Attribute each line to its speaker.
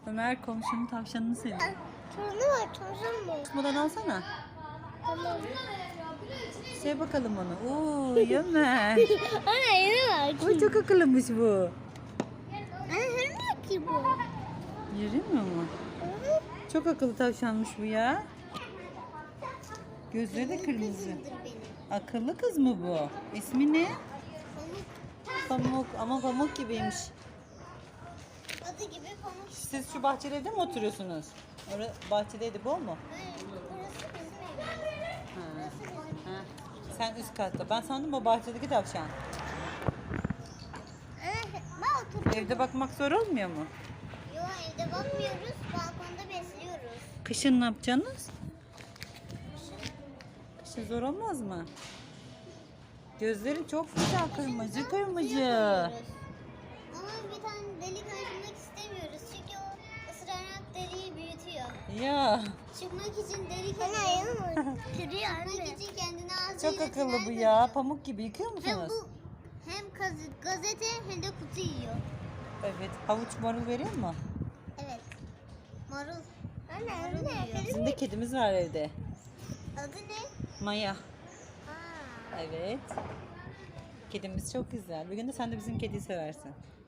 Speaker 1: Ömer komşunun tavşanını seviyor.
Speaker 2: Torunu var, torun mu?
Speaker 1: Buradan alsana.
Speaker 2: Tamam.
Speaker 1: Sev bakalım onu. Oo Ömer.
Speaker 2: Ana yeni var ki.
Speaker 1: O çok akıllıymış bu.
Speaker 2: Ana yürümüyor ki bu.
Speaker 1: Yürümüyor mu? Çok akıllı tavşanmış bu ya. Gözleri de kırmızı. Akıllı kız mı bu? İsmi ne? Pamuk. Ama pamuk gibiymiş.
Speaker 2: Adı gibi pamuk.
Speaker 1: Siz şu bahçeli evde mi oturuyorsunuz? Orada bahçedeydi bu mu?
Speaker 2: Burası bizim evimiz. Burası bizim.
Speaker 1: Ha. Sen üst katta. Ben sandım o bahçedeki tavşan.
Speaker 2: Ben oturuyorum.
Speaker 1: Evde bakmak zor olmuyor mu?
Speaker 2: Yok evde bakmıyoruz. Balkonda besliyoruz.
Speaker 1: Kışın ne yapacaksınız? Kışın zor olmaz mı? Gözlerin çok güzel kırmızı kırmızı.
Speaker 2: Ama bir tane delik açmak istemiyoruz. Çünkü o ısırarak deliği büyütüyor.
Speaker 1: Ya
Speaker 2: Çıkmak için delik açıyor. Kırıyor anne. Çıkmak için kendini ağzıyla
Speaker 1: çok akıllı bu
Speaker 2: tünel
Speaker 1: ya.
Speaker 2: kazıyor.
Speaker 1: Pamuk gibi yıkıyor
Speaker 2: Hem
Speaker 1: musunuz?
Speaker 2: bu hem gazete hem de kutu yiyor.
Speaker 1: Evet. Havuç marul veriyor mu?
Speaker 2: Evet. Marul. Anne
Speaker 1: Bizim de kedimiz var evde.
Speaker 2: Adı ne?
Speaker 1: Maya.
Speaker 2: Aa.
Speaker 1: Evet. Kedimiz çok güzel. Bir gün de sen de bizim kediyi seversin.